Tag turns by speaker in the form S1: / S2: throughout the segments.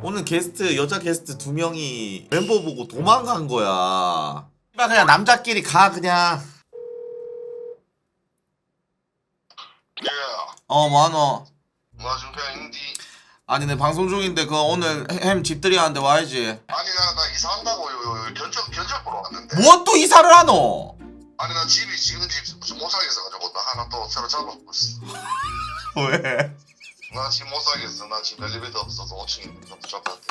S1: 오늘 게스트 여자 게스트 2명이 멤버 보고 도망간 거야. 그냥 남자끼리 가 그냥.
S2: 예.
S1: 뭐하노?
S2: 나 지금 그냥 인디.
S1: 아니 내 방송 중인데 그 오늘 햄 집들이 하는데 와야지.
S2: 아니 나 이사한다고 견적 보러 왔는데.
S1: 뭐 또 이사를 하노?
S2: 아니 나 집이 지금 집 못 살겠어가지고 나 하나 또 새로 잡아보고 있어.
S1: 왜?
S2: 나 집 못 살겠어. 나 집 엘리베이터 없어서 5층에 좀 붙잡았대.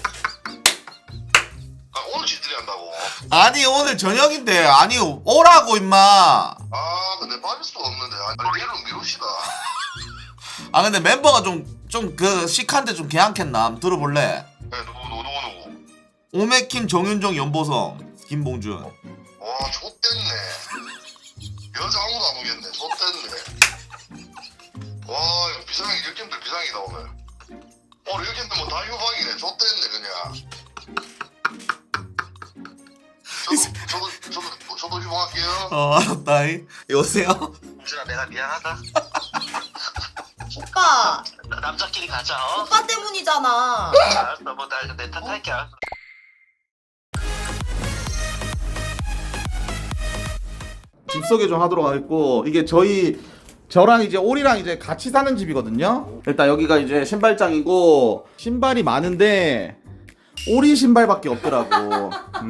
S2: 아 오늘 집들이 한다고.
S1: 아니 오늘 저녁인데 아니 오라고 임마.
S2: 아 근데 빠질 수가 없는데. 아니 내일은 미룹시다.
S1: 아 근데 멤버가 좀 그 시크한데 좀 괜찮겠나? 한번 들어볼래?
S2: 네 누구?
S1: 오메킴, 정윤정, 연보성, 김봉준.
S2: 와 좆됐네. 여자 아무도 안 오겠네. 좆됐네. 와 이거 비상이 일캠들 비상이다 오늘. 오늘 일캠들 뭐 다 휴방이네. 좆됐네 그냥. 저도 휴방할게요.
S1: 알았다. 여보세요?
S2: 봉준아 내가 미안하다.
S3: 오빠,
S2: 남자끼리 가자.
S3: 오빠 때문이잖아.
S2: 알았어 뭐나 내 탓할게. 알았어.
S1: 집 소개 좀 하도록 하겠고, 이게 저랑 이제 오리랑 이제 같이 사는 집이거든요. 일단 여기가 이제 신발장이고 신발이 많은데 오리 신발밖에 없더라고.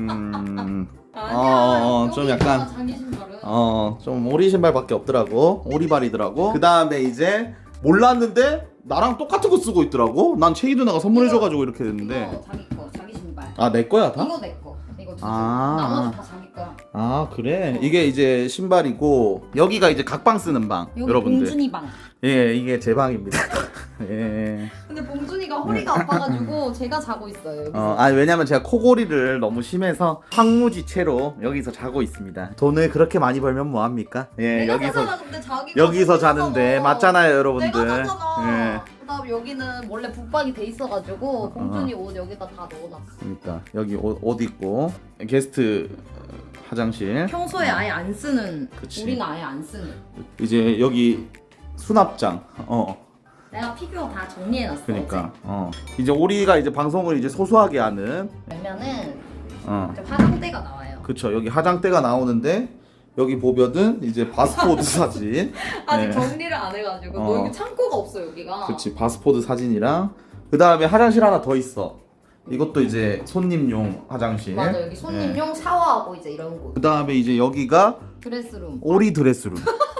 S1: 좀 약간
S3: 자기 신발은.
S1: 좀 오리 신발밖에 없더라고. 오리발이더라고. 그 다음에 이제 몰랐는데 나랑 똑같은 거 쓰고 있더라고. 난 체이 누나가 선물해줘가지고 이렇게 됐는데.
S3: 이거 자기 거, 자기 신발.
S1: 아, 내 거야 다?
S3: 이거 내 거. 이거 두 개.
S1: 아.
S3: 나머지 다 자기 거야.
S1: 아, 그래? 이게 이제 신발이고 여기가 이제 각방 쓰는 방.
S3: 여기
S1: 여러분들.
S3: 봉준이 방.
S1: 예, 이게 제 방입니다. 예.
S3: 근데 봉준이가 허리가 아파가지고 제가 자고 있어요. 여기서.
S1: 아니 왜냐면 제가 코골이를 너무 심해서 황무지체로 여기서 자고 있습니다. 돈을 그렇게 많이 벌면 뭐 합니까? 예,
S3: 내가 자잖아, 근데 자기가
S1: 여기서
S3: 자잖아.
S1: 자는데 맞잖아요, 여러분들.
S3: 내가 자잖아.
S1: 예.
S3: 그다음 여기는 원래 붙박이 돼 있어가지고 봉준이 옷 여기다 다 넣어놨어.
S1: 그러니까 여기 옷 입고 게스트 화장실.
S3: 평소에 아예 안 쓰는.
S1: 그치.
S3: 우리는 아예 안 쓰는.
S1: 이제 여기 수납장.
S3: 내가 피규어 다 정리해놨어.
S1: 그러니까 이제 우리가 이제 방송을 이제 소소하게 하는.
S3: 그러면은
S1: 어.
S3: 이제 화장대가 나와요.
S1: 그쵸. 여기 화장대가 나오는데 여기 보면은 이제 바스포드 사진.
S3: 아직
S1: 네.
S3: 정리를 안 해가지고
S1: 어.
S3: 너 여기 창고가 없어 여기가.
S1: 그치. 바스포드 사진이랑 그 다음에 화장실 하나 더 있어. 이것도 이제 손님용 화장실.
S3: 맞아, 여기 손님용 샤워하고 이제 이런 곳.
S1: 그 다음에 이제 여기가
S3: 드레스룸.
S1: 오리 드레스룸.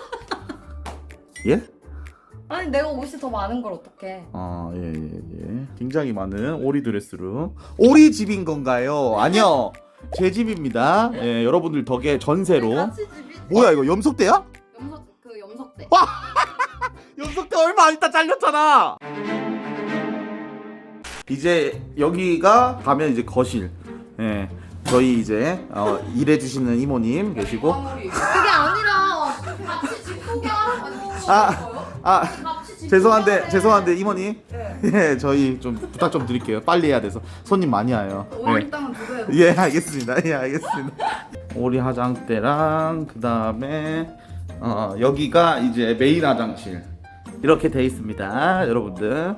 S1: 예?
S3: 아니 내가 옷이 더 많은 걸 어떡해.
S1: 예. 굉장히 많은 오리 드레스룸. 오리 집인 건가요? 아니요. 제 집입니다. 예, 여러분들 덕에 전세로.
S3: 같이 집이.
S1: 뭐야 이거 염석대야?
S3: 염석대.
S1: 염석대 얼마 안 있다 잘렸잖아. 이제 여기가 가면 이제 거실. 예. 저희 이제 일해주시는 이모님 계시고.
S3: 그게 아니라 같이 집 소개하라고.
S1: 죄송한데 이모님. 예, 저희 좀 부탁 좀 드릴게요. 빨리 해야 돼서 손님 많이 와요.
S3: 오늘 땅은 누구예요?
S1: 예, 알겠습니다. 예, 알겠습니다. 오리 화장대랑 그 다음에 여기가 이제 메인 화장실 이렇게 돼 있습니다, 여러분들.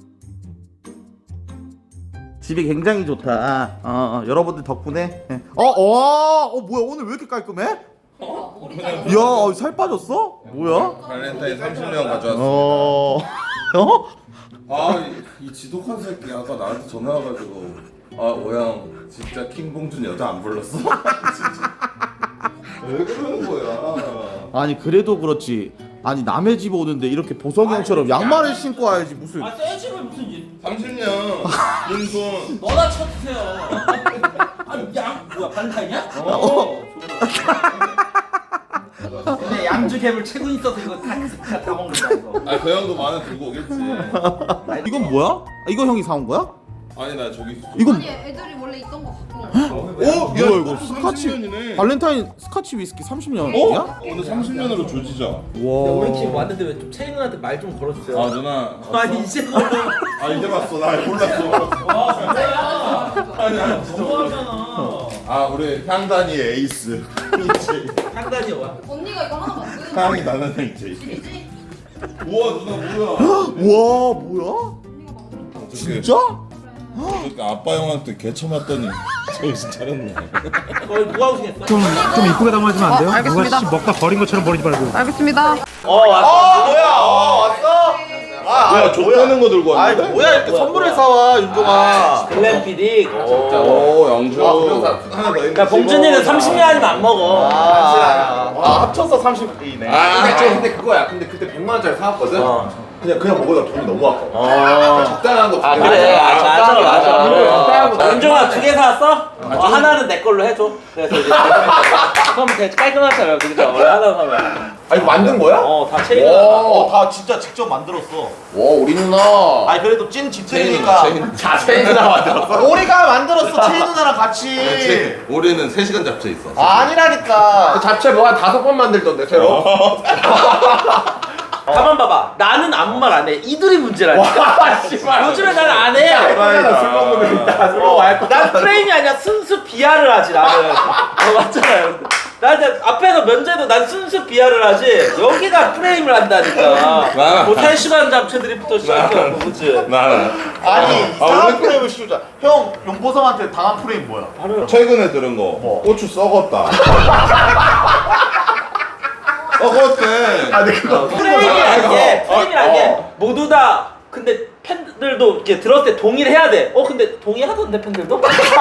S1: 집이 굉장히 좋다. 여러분들 덕분에. 예. 뭐야 오늘 왜 이렇게 깔끔해? 이야, 살 빠졌어? 뭐야?
S4: 발렌타인 30명 가져왔습니다. 이 지독한 새끼 아까 나한테 전화 와가지고 오양 진짜 킹봉준 여자 안 불렀어? 진짜 왜 그러는 거야?
S1: 아니 그래도 그렇지. 아니 남의 집 오는데 이렇게 보성이 형처럼 양말을 신고 와야지 무슨.
S5: 새 집을 무슨
S4: 30년 윤손
S5: 너나 쳐주세요. 아니 양 뭐야 발렌타인이야? 근데 양주개불 최고 있어서 이거 다 먹는 거야 이거.
S4: 그 형도 만원 들고 오겠지.
S1: 이건 뭐야? 이거 형이 사온 거야?
S4: 아니 나 저기
S1: 이건
S3: 아니 애들이 원래 있던 거 갖고 온 거야.
S1: 뭐야 이거 스카치
S4: 30년이네.
S1: 발렌타인 스카치 위스키 30년이야?
S4: 오늘 30년으로 조지자.
S5: 우리 팀
S1: 와.
S5: 왔는데 왜 좀 채인 누나한테 말 좀 걸어주세요.
S4: 누나.
S5: 아니 이제
S4: 이제 봤어. 나 몰랐어.
S5: 너무하잖아.
S4: 우리 향단이의 에이스.
S5: 향단이 와.
S3: 언니가 이거 하나 만드는
S4: 향이 나는 에이스.
S3: 집이지?
S4: 우와 누나 뭐야?
S1: 와 뭐야?
S3: 언니가 만드는 거.
S1: 진짜?
S4: 그러니까 아빠 형한테 개쳐 맞더니 정신 차렸네.
S5: 누가 우승했어?
S6: 좀 이쁘게 담아주면 안 돼요? 누가 씨 먹다 버린 것처럼 버리지 말고.
S7: 알겠습니다.
S5: 왔어.
S1: 뭐야? 왔어?
S4: 뭐야 족대는 거 들고
S1: 아이
S4: 왔는데?
S1: 뭐야 이렇게 선물을 사와 윤종아.
S5: 글램피딕.
S4: 오 영주. 하나 더 있네.
S5: 야 봉준이는 30년 아니면 안 먹어.
S1: 합쳐서 30이네.
S8: 근데 그거야. 근데 그때 100만 원짜리 사왔거든. 그냥 먹으다 돈이 너무 아까워. 적당한 거.
S5: 아 그래. 맞아.
S8: 적당한 거.
S5: 윤종아 2개 사왔어? 하나는 내 걸로 해줘. 그래서 이제 그럼 되게 깔끔하잖아. 그죠? 원래 하나 사면.
S8: 아 이거 만든 거야?
S5: 다 체리가.
S1: 다 진짜 직접 만들었어.
S8: 와 우리 누나.
S1: 아니 그래도 찐 집체이니까.
S8: 자세히 누나 만들었어.
S1: 오리가 만들었어. 체리 누나랑 같이.
S4: 우리는 3시간 잡채 있어.
S1: 아니라니까.
S8: 잡채 뭐 한 5번 만들던데 새로.
S5: 가만 봐봐. 나는 아무 말 안 해. 이들이 문제라니까.
S8: 씨발.
S5: 요즘에 나는 안 해.
S8: 술 먹으면 이따 술 먹어.
S5: 난 프레임이 아니라 순수 비하를 하지 나는. 맞잖아요. 나 이제 앞에서 면제도 난 순수 비하를 하지. 여기가 프레임을 한다니까. 뭐 3시간 잡채들이부터 시작해서 그치?
S4: 나는
S1: 아니 이상한 프레임을 씌우자. 형 용보성한테 당한 프레임 뭐야?
S4: 최근에 들은 거 고추 썩었다. 썩었대.
S8: 근데 그거
S5: 프레임이란 게 모두 다 근데 팬들도 이렇게 들었을 때 동의를 해야 돼. 근데 동의하던데 팬들도?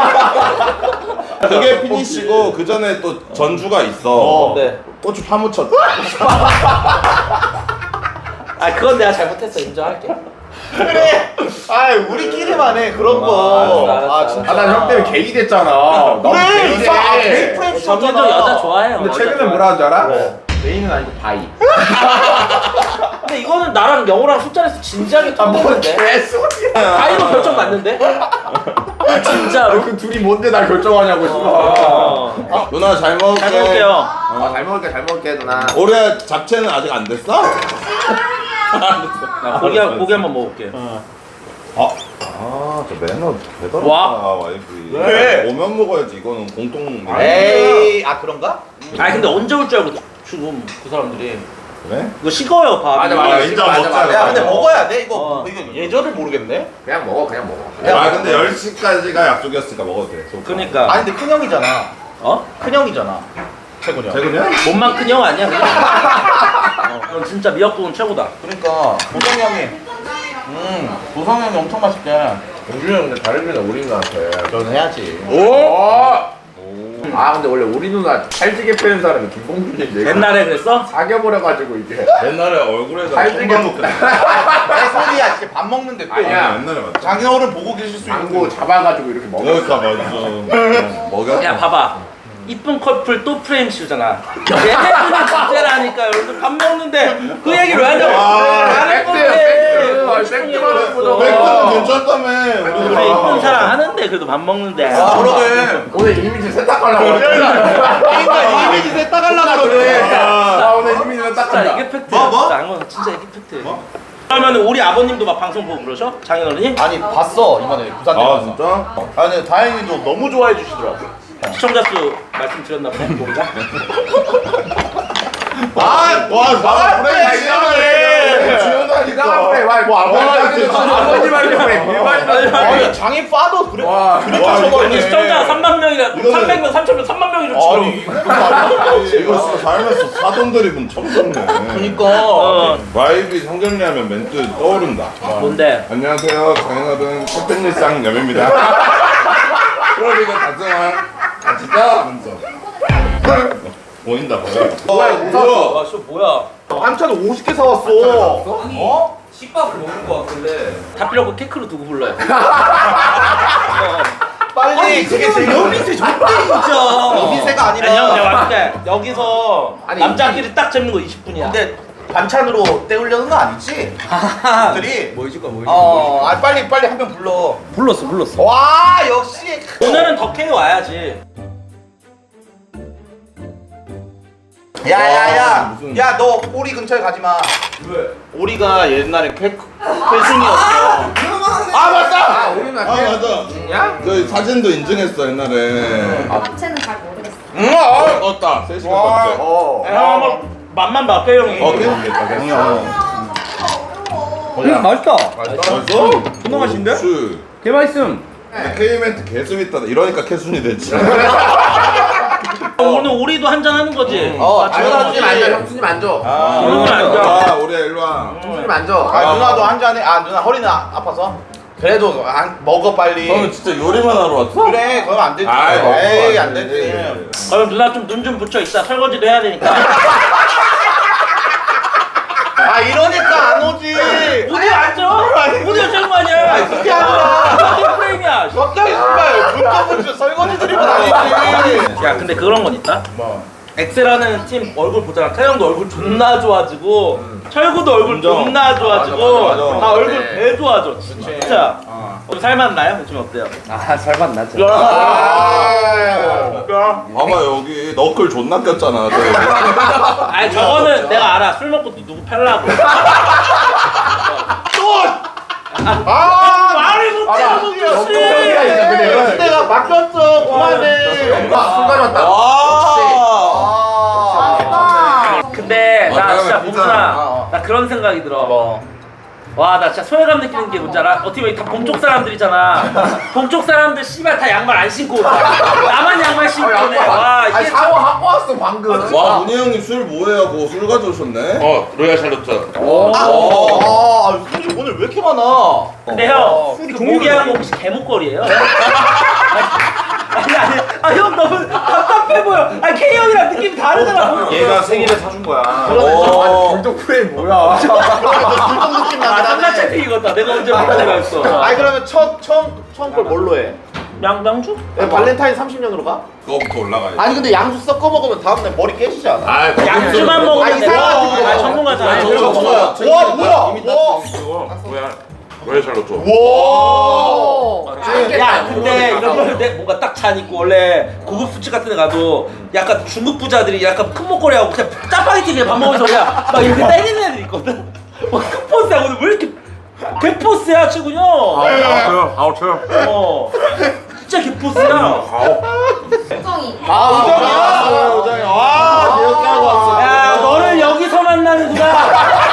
S4: 그게 피니시고 그 전에 또 전주가 있어.
S5: 네.
S4: 고추 파묻혔다.
S5: 아 그건 내가 잘못했어 인정할게.
S1: 그래. 아 우리끼리만 해 그런 거.
S5: 알았어.
S1: 진짜.
S8: 난 형 때문에 게이 됐잖아. 너무
S1: 그래.
S8: 게이
S1: 이상.
S8: 돼.
S1: 게이 프레임 씌웠잖아.
S5: 정현정 여자 좋아해요.
S8: 근데
S5: 여자
S8: 최근에
S5: 좋아해.
S8: 뭐라 하는지 알아? 메인은 아니고 바이.
S5: 근데 이거는 나랑 영호랑 술자리에서 진지하게 통했는데
S8: 개소리야.
S5: 바이로 결정 났는데? 진짜로?
S8: 그 둘이 뭔데 날 결정하냐고 씨발.
S4: 누나 잘 먹을게.
S5: 잘 먹을게요.
S8: 잘 먹을게 누나.
S4: 올해 잡채는 아직 안 됐어?
S5: 나 고기 한번 먹을게.
S4: 저 매너 대단하다.
S5: 와.
S4: 와이프.
S1: 왜?
S4: 오면 먹어야지. 이거는 공통.
S1: 에이 그런가?
S5: 아니 근데 언제 올 줄 알고 지금 그 사람들이
S4: 그래?
S5: 이거 식어요 밥이.
S8: 맞아.
S4: 인정
S8: 맞아,
S4: 먹자.
S8: 맞아.
S1: 야 근데 먹어야 돼 이거.
S5: 어.
S1: 이거 예절을 모르겠네.
S8: 그냥 먹어.
S4: 근데 10시까지가 약속이었으니까 먹어도 돼.
S5: 그러니까
S1: 아니 근데 큰 형이잖아. 큰 형이잖아. 최군이 형.
S4: 최근이야?
S5: 몸만 큰 형 아니야 그냥. 그럼 진짜 미역국은 최고다.
S1: 그러니까 보성 형이. 보성 형이 엄청 맛있게.
S8: 공준이 형 근데 다른 누나 우리 누나한테.
S1: 저는 해야지.
S8: 아 근데 원래 우리 누나 찰지게 패는 사람이 김봉준인데.
S5: 옛날에 그랬어?
S8: 사겨버려가지고 이게.
S4: 옛날에 얼굴에다
S8: 살찌게
S4: 손만 놓고.
S1: 내 소리야 진짜 밥 먹는데 또.
S8: 아니야.
S4: 옛날에 맞다.
S1: 장인어른 보고 계실 수
S8: 망고
S1: 있고.
S8: 잡아가지고 이렇게 먹어.
S4: 그러니까 맞아. 먹여.
S5: 야 봐봐. 이쁜 커플 또 프레임 씌우잖아. 얘네들은 문제라니까 여러분들 밥 먹는데 그 얘기를 왜 하냐고. 다른 건데.
S4: 백두는 괜찮다며.
S5: 우리 이쁜 사랑 하는데 그래도 밥 먹는데.
S1: 그러게.
S8: 오늘 이미지 세탁하려고 그래.
S1: 그러니까 이미지 세탁하려고 그래.
S8: 나 오늘 이미지
S5: 진짜
S8: 세탁한다.
S5: 이게 팩트야.
S1: 뭐?
S5: 진짜 안 진짜 이게 팩트. 그러면 우리 아버님도 막 방송 보고 그러셔? 장인어른이?
S1: 아니 봤어 이번에 부산
S4: 아
S1: 가서.
S4: 진짜?
S1: 아니 다행히도 너무 좋아해 주시더라고.
S5: 시청자 수 말씀드렸나 보네 우리가.
S4: 와,
S8: 그래, 이상한 그래. 뭐 아버님한테 그래. 일반인
S1: 아니 장인 파도 그래.
S8: 와.
S1: 그렇게
S4: 와,
S5: 아니
S1: 쳐버리네.
S5: 시청자 3만 명이라 300명 3,000명 3만 명이죠 지금.
S1: 아니 이거 말이야.
S4: 이거 진짜 살면서 사돈 드립은 처음 듣네.
S1: 그러니까.
S4: 와이비 성경리하면 멘트 떠오른다.
S5: 뭔데?
S4: 안녕하세요, 장인어른 캡틴일상 염입니다. 프로리그 다승왕 진짜 하면서 보인다 보여.
S5: 와, 저 뭐야?
S1: 반찬 50개 사왔어.
S5: 어? 식밥을 먹는 거 같길래 다 필요 없고 케이크로 두고 불러요.
S1: 빨리 그게 제일 여민세 좋대 진짜. 여민세가
S5: 아니 형
S1: 아니라.
S5: 내가 말할게. 여기서
S8: 아니,
S5: 남자끼리 딱 잡는 거 20분이야.
S1: 근데 반찬으로 때우려는 거 아니지? 들이.
S5: 뭐 해줄까 뭐
S1: 아 빨리 한 명 불러.
S5: 불렀어.
S1: 와 역시.
S5: 오늘은 덕혜이 와야지.
S1: 야야야.
S4: 무슨-
S1: 야 너 오리 근처에 가지 마.
S8: 왜?
S1: 오리가 옛날에 회승이었어.
S8: 아 맞다. 우리 누나.
S4: 아 맞아.
S8: 야?
S4: 저 사진도 인증했어 옛날에.
S3: 잡채는 잘 모르겠어.
S4: 떴다. 3시간
S1: 와.
S4: 떴지.
S5: 형 한번 맛만 봐게 형이.
S4: 됐다.
S5: 맛있다.
S4: 맛있어?
S5: 존나 맛있는데?
S4: 술.
S7: 개 맛있음.
S4: K멘트 개수밌다 이러니까 캐순이 됐지.
S5: 오늘 우리도 한잔 하는 거지.
S8: 형수님 앉아, 형수님 앉아.
S4: 우리 일로 와.
S8: 형수님 앉아.
S1: 누나도 한 잔해. 누나 허리는 아파서. 그래도 먹어 빨리.
S4: 너는 진짜 요리만 하러 왔어?
S1: 그래 그럼 안 되지. 에이 안 되지.
S5: 그럼 누나 좀 눈 좀 붙여 있다. 설거지도 해야 되니까.
S1: 이러니까 안 오지.
S5: 어디 앉아? 어디 앉은 거 아니야?
S1: 그게 아니라.
S5: 저기 프레임이야.
S1: 갑자기 신발 문자문자 설거지 드리고 다니지.
S5: 야 근데 그런 건 있다. 뭐? 엑셀하는 팀 얼굴 보잖아. 태형도 얼굴 존나 좋아지고 철구도 얼굴 존나 좋아지고
S1: 맞아.
S5: 다 얼굴 배 좋아져 진짜. 오늘 살맛나요? 요즘 어때요?
S7: 살맛 나죠.
S4: 봐봐 여기 너클 존나 꼈잖아.
S5: 아니 저거는 내가 알아. 술 먹고 누구 패려고. 말을 못해 아버지.
S1: 내가 바뀌었어. 그만해.
S8: 술 가져왔다.
S5: 근데 나
S4: 다음에
S5: 진짜
S4: 진짜.
S5: 봉준아 나 그런 생각이 들어. 와 나 진짜 소외감 느끼는 게 뭔지 알아? 어떻게 보면 다 동쪽 사람들이잖아. 동쪽 사람들 씨발 다 양말 안 신고 오잖아. 나만 양말 신고 오네. 와 이게
S8: 샤워하고 왔어 방금.
S4: 와 문희 형님 술 뭐해요? 그거 술 가져오셨네.
S8: 로얄 샬롯트.
S1: 술이 오늘 왜 이렇게 많아?
S5: 근데 형 그 모기하고 혹시 개목걸이에요? 아니 형 너무 답답해 보여. 아니 K 형이랑 느낌이 다르더라.
S1: 얘가 생일에 사준 거야.
S8: 불독 프레임 뭐야?
S1: 불독 느낌 나긴
S5: 삼각
S1: 하네.
S5: 채팅이거든. 내가 언제 볼 때가 있어.
S1: 그러면 처음 걸 뭘로 해?
S5: 양주?
S1: 발렌타인 30년으로 가?
S4: 그거부터 올라가야지.
S1: 아니 근데 양주 섞어 먹으면 다음날 머리 깨지지 않아?
S5: 양주만 먹으면 돼.
S1: 이상하지.
S5: 아 전문가잖아.
S1: 와 뭐야?
S4: 로얄 샬롯트.
S5: 야 근데 이런 거는 내 뭔가 딱 잔 있고 원래 고급 술집 같은 데 가도 약간 중국 부자들이 약간 큰 목걸이 하고 그냥 짜파게티 그냥 밥 먹으면서 그냥 막 이렇게 때리는 애들 있거든. 큰 포스야. 오늘 왜 이렇게 개포스야 최군요. 진짜 개포스야.
S3: 우정이.
S1: 우정이야. 와 귀엽게 하고 왔어.
S5: 야 너를 여기서 만나는구나.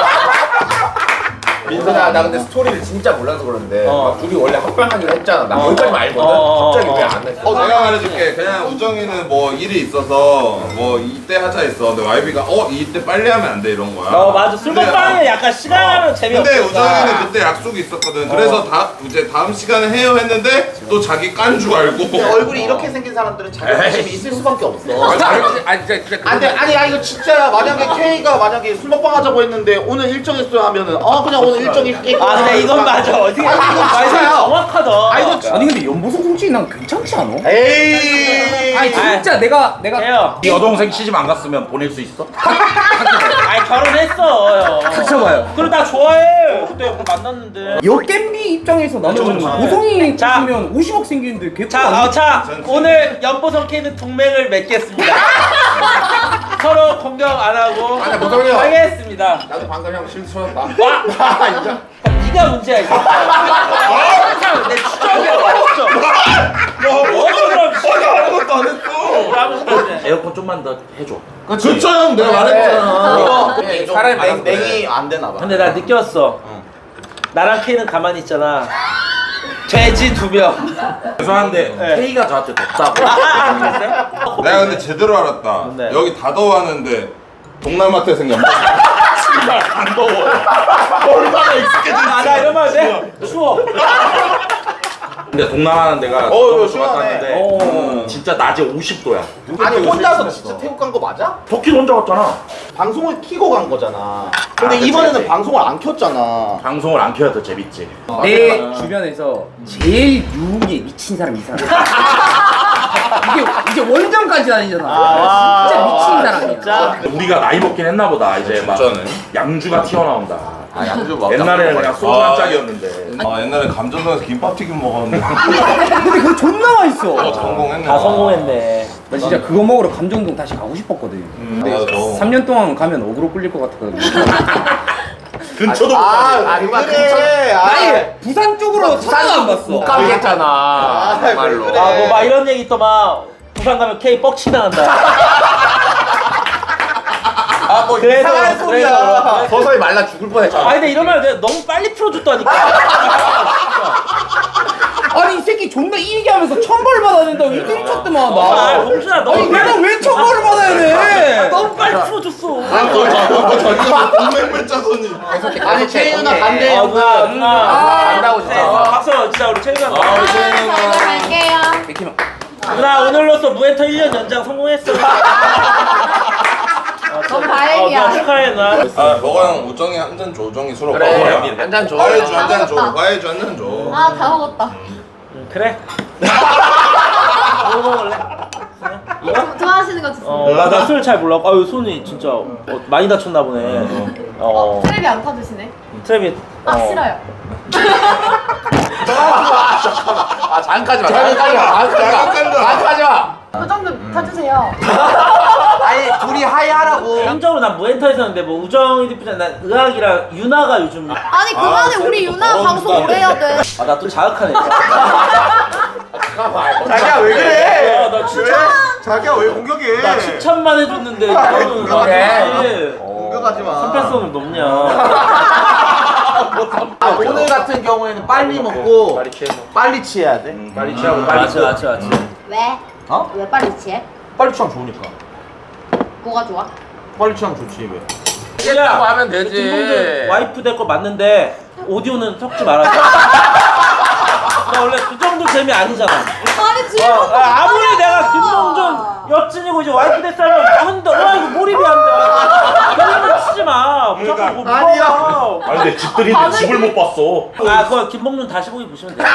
S8: 민선아 나 근데 스토리를 진짜 몰라서 그러는데 막 둘이 원래 합방하기로 했잖아. 나
S5: 어.
S8: 거기까지만 알거든.
S5: 어.
S8: 갑자기 왜 안 했어?
S4: 내가 말해줄게. 그냥 우정이는 뭐 일이 있어서 뭐 이때 하자 했어. 근데 YB가 이때 빨리 하면 안 돼 이런 거야.
S5: 맞아. 술 먹방에 약간 시간하면 재미없어.
S4: 근데 우정이는 그때 약속이 있었거든. 그래서 이제 다음 시간에 해요 했는데 또 자기 깐 줄 알고.
S1: 얼굴이 이렇게 생긴 사람들은 자격지심이 있을 수밖에 없어.
S8: 아니 진짜
S1: 아니 이거 진짜야. 만약에 K가 만약에 술 먹방 하자고 했는데 오늘 일정 있어요 하면은 그냥 오늘 일정 있게.
S5: 아 근데 이건 맞아. 어떻게
S1: 이거 진짜야.
S5: 정확하다.
S7: 아니 근데 연보성 솔직히 난 괜찮지 않아?
S1: 에이.
S7: 아니 진짜 내가
S5: 해요.
S6: 네 여동생 시집 안 갔으면 보낼 수 있어?
S5: 아니 결혼했어.
S7: 닥쳐봐요.
S5: 그리고 나 좋아해. 그때 만났는데.
S7: 여 겜비 입장에서 나는 보성이
S5: 자.
S7: 있으면 50억 생기는데 개뿔
S5: 자, 오늘 연보성 K는 동맹을 맺겠습니다. 서로 공격 안 하고
S8: 아니, 보성이 형.
S5: 하겠습니다.
S8: 나도 방금 형 실수 쳤다.
S5: 네가 문제야 이거. 항상 내 추적이야.
S4: 아무것도 안 했어.
S5: 에어컨 좀만 더 해줘.
S4: 그쵸 형 내가 말했잖아.
S1: 이거
S8: 사람이
S1: 맹이 안 되나 봐.
S5: 근데 나 느꼈어. 나랑 K는 가만히 있잖아. 돼지 2명.
S6: 죄송한데 K가 저한테 덥다고.
S5: 그랬어요?
S4: 내가 근데 제대로 알았다.
S5: 뭔데?
S4: 여기 다 더워하는데 동남아 태생겼다. 정말 안 더워. 얼마나 익숙해졌지.
S5: 나 이런 말 돼? 추워.
S6: 근데 동남아는 내가
S1: 이거
S6: 갔는데 진짜 낮에 50도야.
S1: 아니 혼자서 진짜 태국 간 거 맞아?
S6: 터키 혼자 갔잖아.
S1: 방송을 키고 간 거잖아. 근데 이번에는 방송을 안 켰잖아.
S6: 방송을 안 켜야 더 재밌지.
S7: 내 주변에서 제일 유흥에 미친 사람이 이 사람. 이게 원정까지 다니잖아. 진짜 미친 사람이야.
S5: 진짜.
S6: 우리가 나이 먹긴 했나 보다. 이제 막
S4: 진짜네.
S6: 양주가 튀어나온다.
S8: 양주 막.
S6: 옛날에는 그냥 소주 한 짝이었는데.
S4: 옛날에 감전동에서 김밥튀김 먹었는데.
S7: 근데 그거 존나 맛있어.
S4: 성공했네.
S5: 다 성공했네.
S7: 나 진짜 그거 먹으러 감정동 다시 가고 싶었거든.
S4: 맞아.
S7: 3년 동안 가면 어그로 끌릴 것 같았거든.
S4: 근처도 못 가네.
S1: 그래.
S7: 아니 부산 쪽으로 차도 안 봤어.
S8: 못 가게 했잖아. 말로.
S1: 그래.
S5: 뭐 막 이런 얘기 또 막 부산 가면 K 뻑치 당한다.
S1: 뭐
S5: 그래서,
S1: 이상한 소리야.
S8: 서서히 말라 죽을 뻔했잖아.
S5: 근데 이런 말 내가 너무 빨리 풀어줬다니까.
S7: 아니 이 새끼 존나 이 얘기하면서 천벌 받아야 된다고 이들이 쳤더만
S5: 아
S7: 나.
S5: 봉준아 너무
S7: 아니 내가 왜 천벌을 받아야 돼?
S5: 너무 빨리 풀어줬어.
S4: 동맹물 자손이.
S8: 아니 채희 누나 간대요.
S5: 누나
S8: 간다고 진짜.
S5: 박수 진짜 우리 채윤아.
S3: 갈게요.
S5: 누나 오늘로써 무엔터 1년 연장 성공했어.
S3: 너무 다행이야.
S5: 축하해 누나.
S4: 아 너랑 우정이 한 잔 줘. 우정이 술 없어.
S8: 그래. 한잔 줘.
S4: 과일주 한 잔 줘.
S3: 먹었다.
S4: 과일주 한 잔 줘.
S3: 아, 다 먹었다.
S5: 그래. 뭐 먹을래?
S3: 좋아하시는 거 주세요.
S5: 나 술 잘 몰라. 아유 손이 진짜 많이 다쳤나 보네.
S3: 트랩이 안 타주시네.
S5: 트래빗.
S3: 아, 싫어요.
S8: 아 잠깐까지 마. 잠깐까지 마.
S3: 그 정도 타주세요.
S8: 아니 둘이 하이하라고.
S5: 개인적으로 난 무엔터에서는데 뭐 우정이 디프전 난 의학이랑 유나가 요즘
S3: 아니, 그만해. 우리 유나 방송 오래 해야 돼.
S5: 아 나 또 자극하네.
S8: 자기야 왜 그래?
S5: 나 진짜
S1: 자기야 왜 공격해?
S5: 나 칭찬만 해줬는데 너는
S8: 그래.
S1: 공격하지 마.
S5: 선패성을 높냐?
S1: 오늘 같은 경우에는 빨리 먹고 빨리 취해야 돼.
S8: 빨리 취하고 빨리.
S5: 맞지.
S3: 왜?
S1: 어?
S3: 왜 빨리 취해?
S1: 빨리 취하면 좋으니까.
S3: 뭐가 좋아?
S1: 빨리 취하면 좋지 왜?
S8: 취했다고 하면 되지.
S5: 김봉준 와이프 될 거 맞는데 오디오는 섞지 말아줘. 나 원래 그 정도 재미 아니잖아.
S3: 아니, 지금.
S5: 아무리 내가 김봉준 여친이고 이제 와이프 됐다면 하는데 와 이거 몰입이 안 돼. 그런 거 치지 마. 무조건 뭐
S1: 아니야.
S6: 아니 근데 집들이 집을 못 봤어.
S5: 아 그거 김봉준 다시 보기 보시면 돼.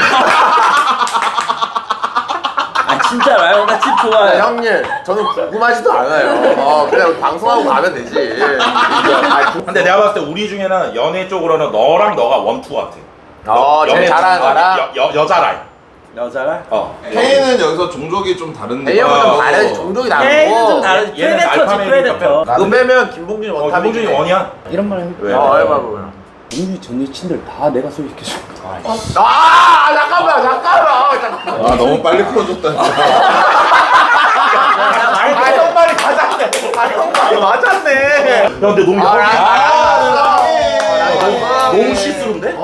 S5: 아 진짜로요? 나 집 좋아해.
S8: 형님 저는 궁금하지도 않아요. 그냥 방송하고 가면 되지.
S6: 근데 내가 봤을 때 우리 중에는 연애 쪽으로는 너랑 너가 원투 같아.
S8: 제일 잘하는 거라.
S6: 여자 라인.
S5: 여자라?
S4: K는 여기서 종족이 좀 다른데.
S8: A형은 좀 다르지. 종족이 다르고.
S5: 얘는 좀 다르지.
S6: 얘는
S5: 프레데터지
S6: 알파메이니까
S5: 프레데터.
S8: 그거 빼면 김봉준이 원탑이지.
S6: 김봉준이 원이야?
S7: 이런 말 해.
S6: 왜?
S8: 얼마 보면.
S7: 우리 전 여친들 다 내가 소개시켜줘.
S8: 잠깐만.
S4: 아 너무 빨리 풀어줬다.
S8: 형 말이 맞았네. 형 말이 맞았네.
S6: 야 근데 너무 너무 시스루인데?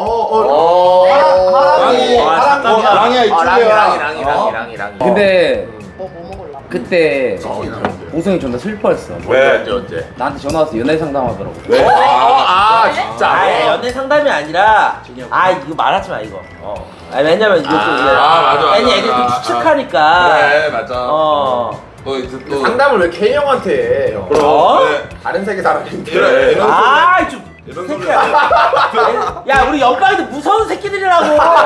S1: 랑이야
S8: 랑이.
S7: 근데
S3: 뭐 먹을라?
S7: 그때 보성이 존나 슬퍼했어.
S6: 왜?
S8: 언제?
S7: 나한테 전화 와서 연애 상담하더라고.
S6: 왜?
S8: 진짜.
S5: 아 연애 상담이 아니라 이거 말하지 마 이거. 왜냐면 이거 또
S4: 맞아.
S5: 괜히 애들 또 추측하니까.
S4: 그래 맞아. 또 이제 또
S8: 상담을 왜 K 형한테 해? 형.
S4: 그래.
S8: 다른 세계 사람인데.
S4: 그래.
S5: 좀
S4: 이런 소리.
S5: 야 우리 연방이도 무서운 새끼들이라고.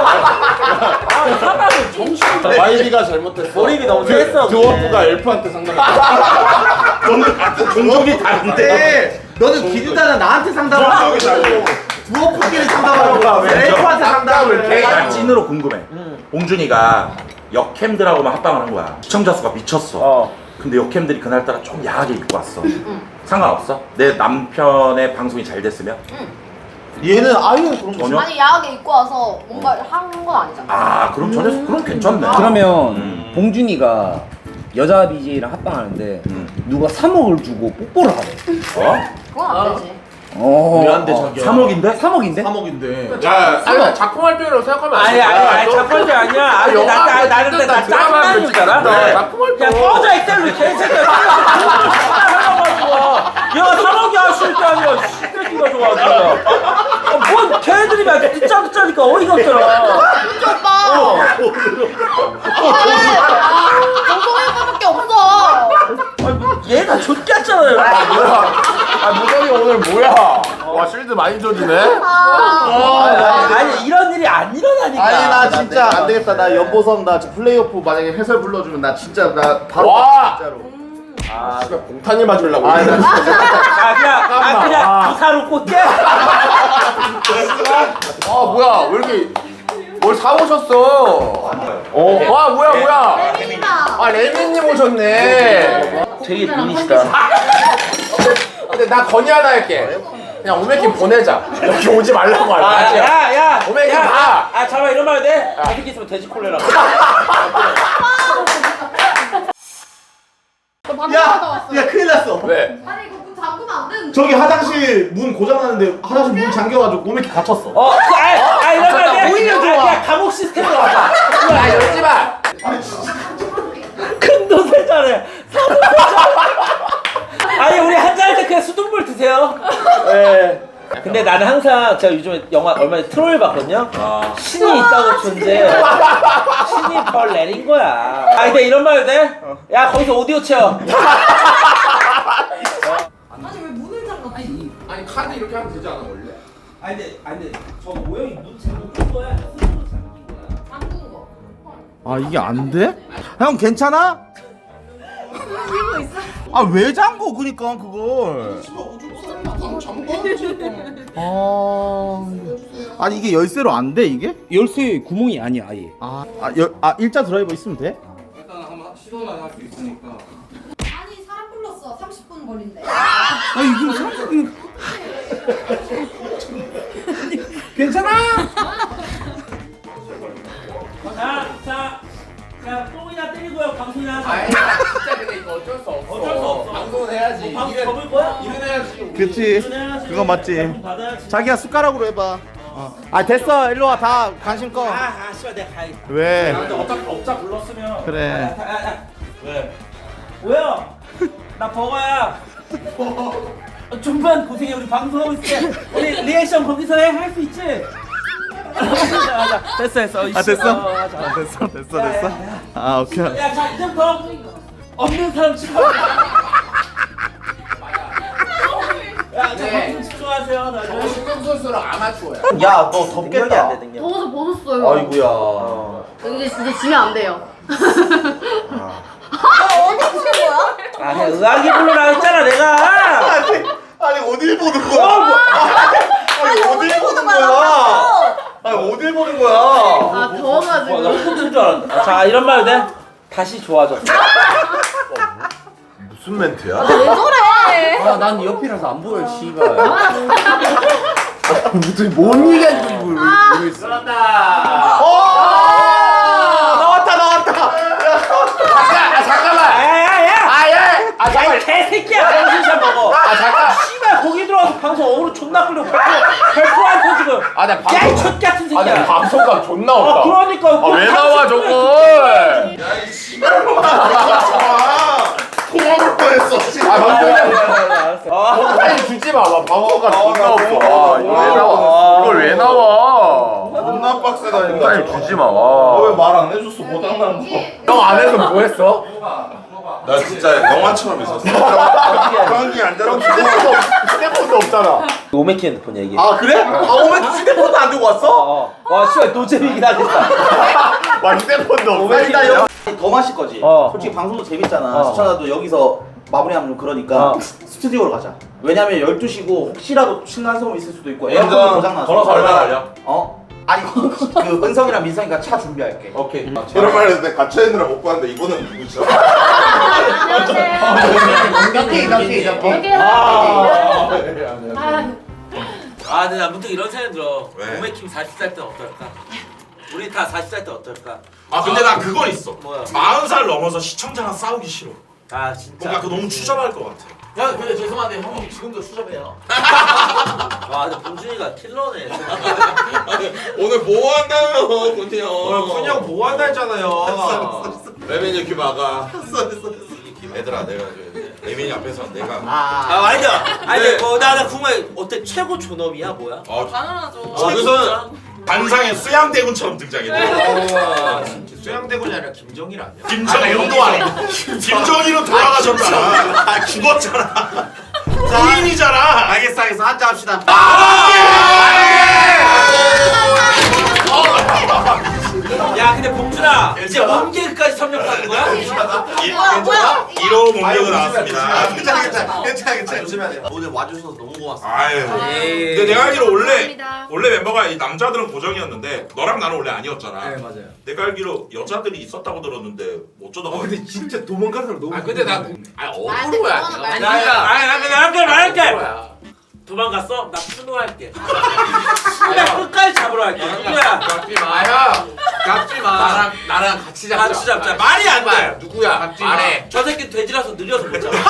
S5: 사람을 정신.
S1: 와이비가 잘못했어.
S5: 몰입이 너무 됐어.
S1: 드워프가 엘프한테 상담했어.
S6: 너는 같은 종족이 다른데.
S1: 너는 기준자는 나한테 상담을 하고 드워프끼리 상담하라고 왜 엘프한테 상담을 해?
S6: 난 찐으로 궁금해. 봉준이가 역캠들하고만 합방을 한 거야. 시청자 수가 미쳤어. 근데 역캠들이 그날따라 좀 야하게 입고 왔어. 상관없어? 내 남편의 방송이 잘 됐으면?
S1: 얘는 아유 그런 거
S6: 전혀?
S3: 아니, 야하게 입고 와서 뭔가 한 건 아니잖아.
S6: 그럼 전혀 그럼 괜찮네.
S7: 그러면 봉준이가 여자 BJ랑 합방하는데 누가 3억을 주고 뽀뽀를 하래.
S3: 그건 안 되지.
S1: 미안한데 자기야
S6: 3억인데?
S7: 3억인데?
S1: 3억인데
S4: 야
S8: 아니 작품 활동이라고 생각하면 안 돼.
S5: 아니 작품이 아니야. 아니 나는 나 짜증나는 줄 알아.
S8: 작품 활동.
S5: 야 꺼져 엑셀로 개새끼야. 얘가 3억이 아실 때 아니야. 새끼가 좋아하잖아. 뭔 걔들이 막 듣자니까 어이가 없잖아.
S3: 은지 오빠! 방송일거밖에 없어!
S5: 얘가 좆같잖아요.
S8: 무정이 오늘 뭐야? 와 실드 많이 줘주네.
S5: 아니 이런 일이 안 일어나니까.
S1: 아니 나 진짜 안 되겠다. 나 연보성 나 지금 플레이오프 만약에 해설 불러주면 나 진짜 나 바로
S8: 와!
S1: 진짜로.
S8: 공탄이 맞으려고.
S1: 나 진짜
S5: 그냥 기사로 꽂게.
S8: 뭐야 왜 이렇게 뭘 사오셨어? 와 뭐야? 레미님 오셨네.
S5: 되게 미니시다.
S8: 근데 나 건의 하나 할게. 그냥 오메킴 보내자. 여기 오지 말라고 알지?
S5: 야.
S8: 오메킴 가.
S5: 잠깐 이런 말 돼? 아직 있으면 돼지 콜레라.
S3: 너 방금 하다 왔어.
S1: 야 큰일 났어.
S8: 왜?
S3: 아니, 이거 문 잠그면 안 되는데.
S1: 저기 화장실 문 고장났는데 화장실 문 잠겨가지고 몸에 갇혔어.
S5: 이런 말 돼. 오히려 좋아. 그냥 감옥 시스템으로 왔다. 근데 나는 항상 제가 요즘에 영화 얼마 전에 트롤 봤거든요. 신이 있다고 존재. 신이 벌 내린 거야. 아 근데 이런 말 해도 돼? 야 거기서 오디오 채워.
S3: 아니 왜 문을 잠가?
S8: 아니 카드 이렇게 하면 되지 않아 원래?
S5: 아니 근데 저 모형이 문 잠근 거야. 스스로 잠긴 거야.
S3: 잠근 거.
S1: 아 이게 안 돼? 형 괜찮아?
S3: 들고 있어?
S1: 아 왜 잠궈 그니까 그걸. 아니 이게 열쇠로 안 돼 이게?
S7: 열쇠 구멍이 아니야 아예.
S1: 일자 드라이버 있으면 돼?
S8: 일단 한번 시도는 할 수 있으니까.
S3: 아니 사람 불렀어. 30분 걸린대.
S7: 아니 이거 30분. 괜찮아?
S5: 자, 똥이나 때리고요. 방송이나 하자.
S8: 아니 진짜 근데 이거 어쩔 수 없어.
S5: 어쩔 수 없어.
S8: 방송은 해야지.
S5: 방송 접을 거야?
S8: 일은 해야지.
S1: 그치 그거 맞지. 자기야 숟가락으로 해봐. 아 됐어 일로 와 다 관심 꺼.
S5: 씨발 내가 가야겠다.
S1: 왜?
S5: 근데 어차피 업자 불렀으면.
S1: 그래.
S5: 왜? 뭐야? 나 버거야. 좀만 고생해. 우리 방송하고 있을 때 우리 리액션 거기서 해. 할 수 있지? 맞아. 됐어.
S1: 아 됐어?
S5: 맞아.
S1: 아 됐어. 아 오케이.
S5: 야, 자 이제부터 없는 사람 치고. 야, 저 방송 집중하세요.
S8: 저
S5: 다들.
S8: 신경 선수랑 아마추어야.
S1: 야 너 덥겠다.
S3: 더워서 벗었어요.
S1: 아이고야.
S3: 이제 지면 안 돼요. 어디 보는 거야?
S5: 아, 의학이 불러라 했잖아 내가.
S1: 아니 어딜 보는 거야? 아니 어딜 보는 거야? 아니 어딜 보는 거야?
S3: 아 더워가지고.
S5: 나 훔친 줄 알았다. 자, 이런 말 해도 돼? 다시 좋아졌어.
S1: 무슨 멘트야?
S3: 왜 저래?
S7: 아난 옆이라서 안 보여 씨발.
S1: 무슨 뭔 얘기하는지 모르겠어. 나왔다.
S8: 잠깐만.
S5: 야야야!
S8: 아 잠깐.
S5: 개새끼야! 정신샷 먹어.
S8: 아 잠깐.
S5: 씨발 거기 들어와서 방송 어그로 존나 끌려. 별표 안 터지고.
S8: 아 나 방송.
S5: 야이 첫 같은
S8: 아 나
S5: 새끼야.
S8: 방송감 존나 없다.
S5: 그러니까.
S8: 아 왜 나와 저걸?
S1: 야이 씨발놈아. 토막을 뻔했어.
S8: 아 방송감.
S5: 알았어.
S8: 빨리 주지 마. 방송감 존나 없어. 아 이거 왜 나와? 이걸 왜 나와?
S1: 존나 빡세다니까.
S8: 빨리 주지 마.
S1: 왜 말 안 해줬어 고장난 거.
S8: 형 안에서 뭐 했어?
S4: 나 진짜 영화처럼 있었어.
S1: 형이 안 되라고
S8: 휴대폰도 없잖아.
S5: 오메키 핸드폰 얘기해.
S1: 아 그래? 아 오메 휴대폰도 안 들고 왔어?
S5: 와 씨발 노잼이긴 하겠다.
S8: 와 휴대폰도 없어.
S1: 일단 여기 더 마실 거지.
S5: 어.
S1: 솔직히 방송도 재밌잖아. 시청자도 여기서 마무리하면 좀 그러니까 스튜디오로 가자. 왜냐면 12시고 혹시라도 신난 소음 있을 수도 있고 에어컨도 고장나서.
S4: 걸어서 얼마나 걸려?
S1: 아니 그 은성이랑 민성이가 차 준비할게.
S4: 오케이. 이런 말 해도 돼. 갇혀 있느라 못 봤는데 이거는 누구죠?
S3: 이렇게
S5: 아, 근데 나 문득 이런 생각 들어.
S4: 왜?
S5: 오메킴 40살 때 어떨까? 우리 다 40살 때 어떨까?
S4: 아 근데 나 그건 있어.
S5: 뭐야?
S4: 40살 넘어서 시청자랑 싸우기 싫어.
S5: 아 진짜.
S4: 뭔가 그 너무 추잡할 것 같아.
S8: 야 근데 죄송한데 형 지금도 수접해요.
S5: 와, 근데 봉준이가 킬러네.
S4: 오늘 뭐 한다며 군이 형.
S9: 오늘 쿤이 형 뭐 한다 했잖아요.
S4: 레민이 귀 막아. 얘들아 내가 레민이 앞에서 내가
S5: 아니야. 아니,
S4: 네.
S5: 나 궁금해. 어때? 최고 존엄이야, 뭐야?
S3: 당연하죠.
S4: 저기서 관상의 수양대군처럼 등장했대.
S9: 수양대군이 아니라 김정일 아니야?
S4: 김정일도 아니고 김정일은 돌아가셨잖아. 죽었잖아. 부인이잖아.
S1: 알겠어 한잔 합시다.
S5: 야, 근데 봉준아, 이제 원개그까지 섭렵하는 거야?
S3: 뭐야?
S4: 1호 공격은 나왔습니다.
S1: 괜찮아.
S9: 조심해야 돼.
S1: 오늘 와주셔서 너무 고맙습니다.
S4: 아유. 근데 내가 알기로 원래 멤버가 이 남자들은 고정이었는데 너랑 나는 원래 아니었잖아.
S9: 네 맞아요.
S4: 내가 알기로 여자들이 있었다고 들었는데 어쩌다가.
S9: 근데 진짜 도망가는 사람 너무.
S8: 아 근데 나 어그로야.
S5: 말할게. 도망갔어? 나 추노할게. 나 끝까지 잡으러 할게. 누구야?
S8: 갚지 마. 갚지 마. 나랑 같이 잡자.
S5: 같이 잡자. 말이 안 돼.
S8: 누구야? 말해.
S5: 저 새끼 돼지라서 느려서 못 잡아.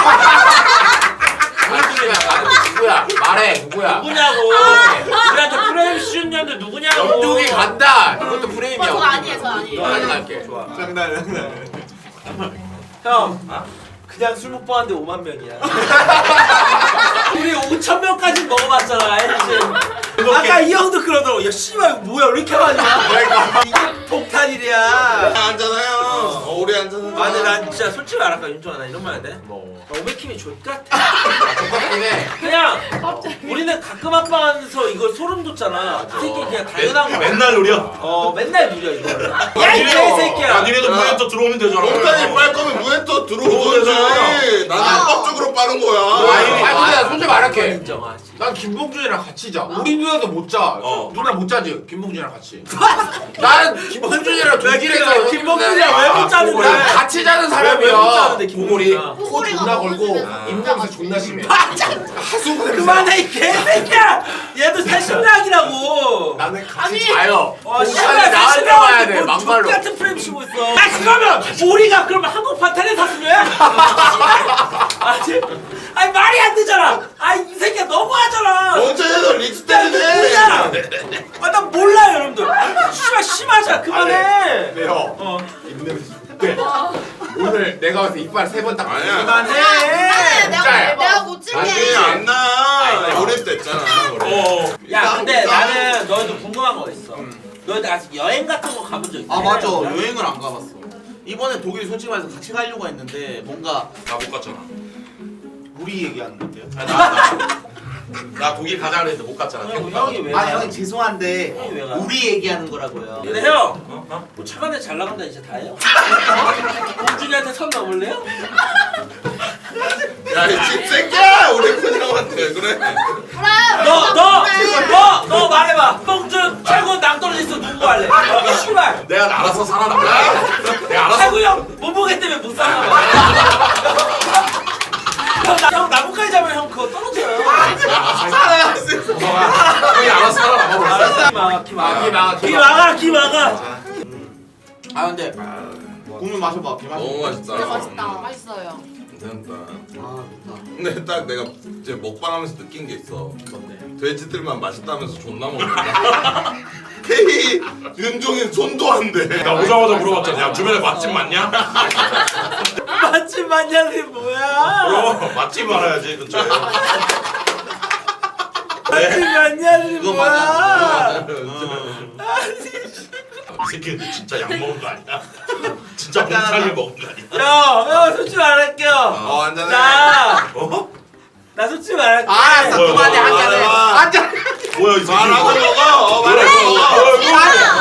S8: 누구야? 말해. 누구야?
S5: 누구냐고. 우리한테 프레임 씌웠는데 누구냐고.
S8: 영둥이 간다. 이것도 프레임이야.
S3: 저 아니에요, 저 아니에요.
S8: 너까지 갈게.
S5: 형. 그냥 술 먹방 하는데 5만 명이야. 우리 5천 명까지 먹어봤잖아, 알지? 아까 이 형도 그러더라고. 야, 씨발, 이거 뭐야, 왜 이렇게 많이 와? 이게 폭탄이랴.
S4: 앉잖아요. 오래 앉았는데.
S5: 아, 근데 난 진짜 솔직히 말할까, 윤종아, 나 이런 말 해야 돼?
S8: 뭐.
S5: 나 오메킴이 족같아.
S8: 똑같긴 해.
S5: 그냥 우리는 가끔 합방하면서 이걸 소름 돋잖아. 그 새끼 그냥 당연한 거야.
S4: 맨날 누려.
S5: 맨날 누려 이거. 야, 이 개새끼야.
S4: 니네도 무엔터 들어오면 되잖아. 목단이 빨 거면 무엔터 들어오면 되지. 나는 합법적으로 빠는 거야.
S8: 아니 근데 솔직히 말할게.
S5: 인정하지.
S9: 난 김봉준이랑 같이 자. 우리 누나도 못 자. 누나 못 자지. 김봉준이랑 같이.
S8: 나는 김봉준이랑 동질에서
S5: 김봉준이랑 왜 못 자는데?
S8: 난 같이 자는
S5: 왜 못 자는데
S8: 사람이야.
S9: 고골이
S5: 김봉준이랑?
S9: 코 존나 걸고 입냄새 존나 심해. 하수구 냄새.
S5: 그만해 이 개새끼야. 얘도 새신랑이라고.
S8: 나는 같이 자요.
S5: 씨발
S8: 나한테 와야 돼 막말로.
S5: 같은 프레임 치고 있어. 아 그러면 우리가 그러면 한국 파탄에 샀으면? 아니 말이 안 되잖아. 아이 새끼야 너무하잖아.
S4: 언제도 릭스
S5: 야, 이거 뭐야?
S4: 때리네.
S5: 나 몰라요 여러분들. 씨발 심하자 그만해.
S8: 네 형. 입냄새. 네. 오늘 내가 와서 이빨 3번 딱.
S4: 아니야.
S5: 그만해.
S3: 내가 고칠게.
S4: 아니 안 나. 오래 됐잖아.
S5: 야 근데 나는 너희도 궁금한 거 있어. 너희들 아직 여행 같은 거 가본 적 있어?
S1: 아 맞아, 여행을 안 가봤어. 이번에 독일 솔직히 말해서 같이 가려고 했는데 뭔가
S4: 나 못 갔잖아.
S1: 우리 얘기하는 건데요.
S4: 나 독일 가자 그랬는데 못 갔잖아.
S5: 형이 왜?
S1: 아니 형님 죄송한데
S5: 형이 왜 가?
S1: 우리 얘기하는 거라고요.
S5: 근데 형, 뭐 차관에 잘 나간다 이제 다예요? 공준이한테 선 넘을래요?
S4: 야, 이 집새끼야! 우리 그냥한테 그래.
S5: 너 말해봐. 봉준 최고 낭떠러지 있어 누구 할래? 씨발.
S4: 내가 알아서 살아남아. 내가 알아서.
S5: 최고 형 몸무게 때문에 못 살아. 형 나뭇가지 잡으면 형 그거 떨어져요.
S4: 형이 알아서 살아남아.
S5: 기 막아.
S1: 아 근데 국물 마셔봐. 개 맛있어.
S4: 너무 맛있다.
S3: 진짜 맛있다. 맛있어요.
S4: 괜찮다.
S1: 아 좋다.
S4: 근데 딱 내가 이제 먹방하면서 느낀 게 있어. 돼지들만 맛있다면서 존나 먹는다. K 윤종인 손도 안 돼. 나 오자마자 물어봤잖아. 야 주변에 맛집 많냐?
S5: 맛집 만냐는 뭐야?
S4: 그럼 맛집 알아야지 근처에.
S5: 맛집 만냐는
S1: 그거
S5: 뭐야?
S1: 맞아.
S4: 이 새끼들 진짜 약 먹은 거 아니야? 진짜 봉탕을 먹은 거 아니야?
S5: 형 솔직히 말할게요.
S4: 한잔해.
S5: 나 솔직히 말할게.
S1: 알았어, 그만해 한 잔해. 한 잔.
S4: 뭐야 이 새끼. 말하고 먹어. 말하고 먹어.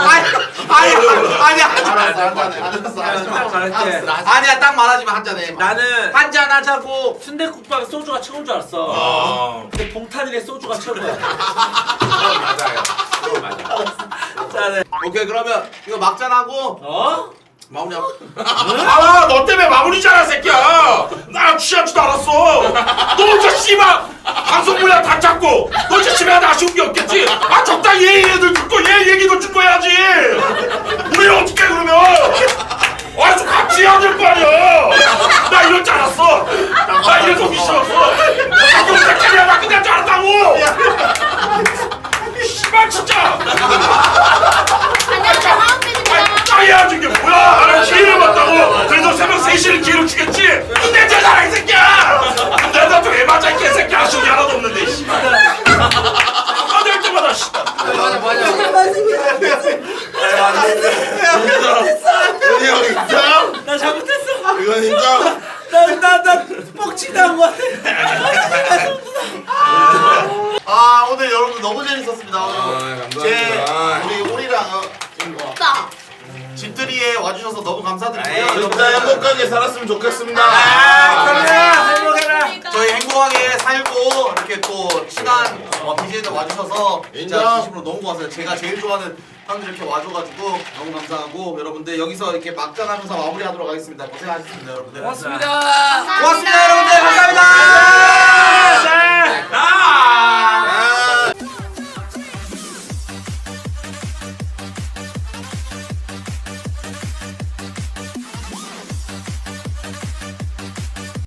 S1: 아니야.
S5: 딱 말할게.
S1: 아니야, 딱 말하지만 한 잔해.
S5: 나는
S1: 한잔 하자고.
S5: 순대국밥 소주가 최고인 줄 알았어.
S4: 아.
S5: 근데 봉탄이네 소주가 최고야.
S8: 맞아요. 그거 맞아.
S5: 짜네.
S1: 오케이, 그러면 이거 막잔하고
S5: 어?
S1: 마무리하고.
S4: 아, 너 때문에 마무리잖아, 새끼야. 나 취하지도 않았어. 너 혼자 씨발 방송 분야 다 잡고 너 진짜 집에 하나 아쉬운 게 없겠지? 아, 적당히 얘 얘기도 듣고 얘 얘기도 듣고 해야지. 우리는 어떻게 그러면? 아, 좀 같이 해야 될 거 아니야. 나 이럴 줄 알았어. 나 이래서 오기 싫었어. 자기 혼자끼리 나 끝날 줄 알았다고. 씨발 진짜. 짜야지 이게 뭐야? 나는 기회를 받다고. 그래서 새벽 3시를 기회를 주겠지. 내 제자라 이 새끼야. 근데 나도 왜 맞아 이 개새끼. 아쉬운 게 하나도 없는데 씨발. 빠질 때마다 씨발. 형 인정?
S5: 나 잘못했어.
S4: 이건 인정?
S5: 나 뻑치다 거 같아.
S1: 아, 오늘 여러분 너무 재밌었습니다.
S4: 감사합니다.
S1: 우리 오리랑
S3: 진짜.
S1: 집들이에 와주셔서 너무 감사드리고요.
S4: 진짜 행복하게 살았으면 좋겠습니다.
S5: 행복해라.
S1: 저희 행복하게 살고 이렇게 또 친한 BJ들 와주셔서 진짜
S4: 인정.
S1: 진심으로 너무 고마워요. 제가 제일 좋아하는 형들 이렇게 와줘가지고 너무 감사하고 여러분들 여기서 이렇게 막장하면서 마무리하도록 하겠습니다. 고생하셨습니다, 여러분들.
S5: 고맙습니다.
S1: 고맙습니다, 여러분들. 감사합니다.